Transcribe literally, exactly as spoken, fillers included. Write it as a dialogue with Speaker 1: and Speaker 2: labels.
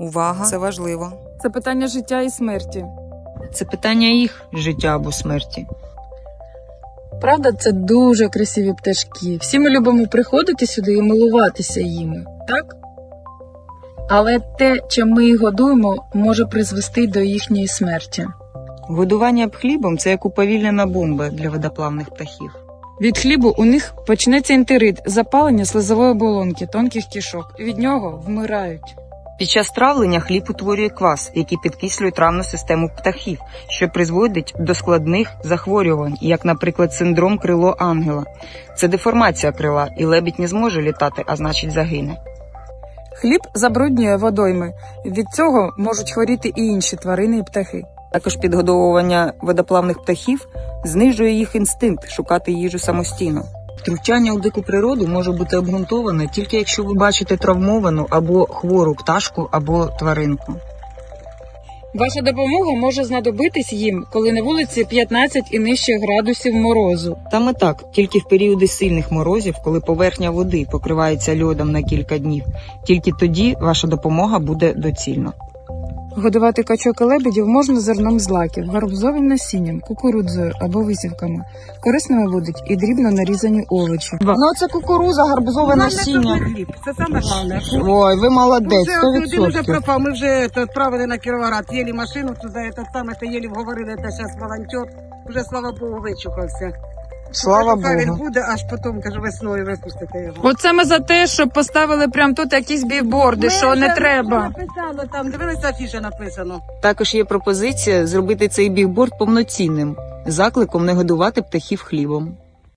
Speaker 1: Увага, це важливо.
Speaker 2: Це питання життя і смерті.
Speaker 3: Це питання їх життя або смерті.
Speaker 2: Правда, це дуже красиві пташки. Всі ми любимо приходити сюди і милуватися їми, так? Але те, чим ми їх годуємо, може призвести до їхньої смерті.
Speaker 3: Годування хлібом – це як уповільнена бомба для водоплавних птахів.
Speaker 2: Від хлібу у них почнеться ентерит, запалення слизової оболонки, тонких кишок. Від нього вмирають.
Speaker 3: Під час травлення хліб утворює квас, який підкислює травну систему птахів, що призводить до складних захворювань, як, наприклад, синдром крило ангела. Це деформація крила, і лебідь не зможе літати, а значить загине.
Speaker 2: Хліб забруднює водойми. Від цього можуть хворіти і інші тварини і птахи.
Speaker 3: Також підгодовування водоплавних птахів знижує їх інстинкт шукати їжу самостійно. Втручання у дику природу може бути обґрунтоване тільки якщо ви бачите травмовану або хвору пташку або тваринку.
Speaker 2: Ваша допомога може знадобитись їм, коли на вулиці п'ятнадцять і нижче градусів морозу.
Speaker 3: Саме так, тільки в періоди сильних морозів, коли поверхня води покривається льодом на кілька днів, тільки тоді ваша допомога буде доцільна.
Speaker 2: Годувати качок і лебедів можна зерном злаків, гарбузовим насінням, кукурудзою або висівками. Корисними будуть і дрібно нарізані овочі.
Speaker 3: Ну це кукуруза, гарбузове насіння.
Speaker 4: Хліб. Це саме головне.
Speaker 3: Ой, ви молодець,
Speaker 4: Вже
Speaker 3: сто
Speaker 4: один вже
Speaker 3: відсотків.
Speaker 4: пропав. Ми вже це, відправили на Кіровоград. Єлі машину туди, це саме, це єлі вговорили, це зараз волонтер. Вже, слава Богу, вичухався.
Speaker 3: Слава
Speaker 4: Хай він
Speaker 3: Богу.
Speaker 4: буде, аж потім, каже, весною випустити його.
Speaker 2: Оце ми за те, щоб поставили прямо тут якісь бігборди, що не треба.
Speaker 4: Написано там, дивилися, афіша написано.
Speaker 3: Також є пропозиція зробити цей бігборд повноцінним, закликом не годувати птахів хлібом.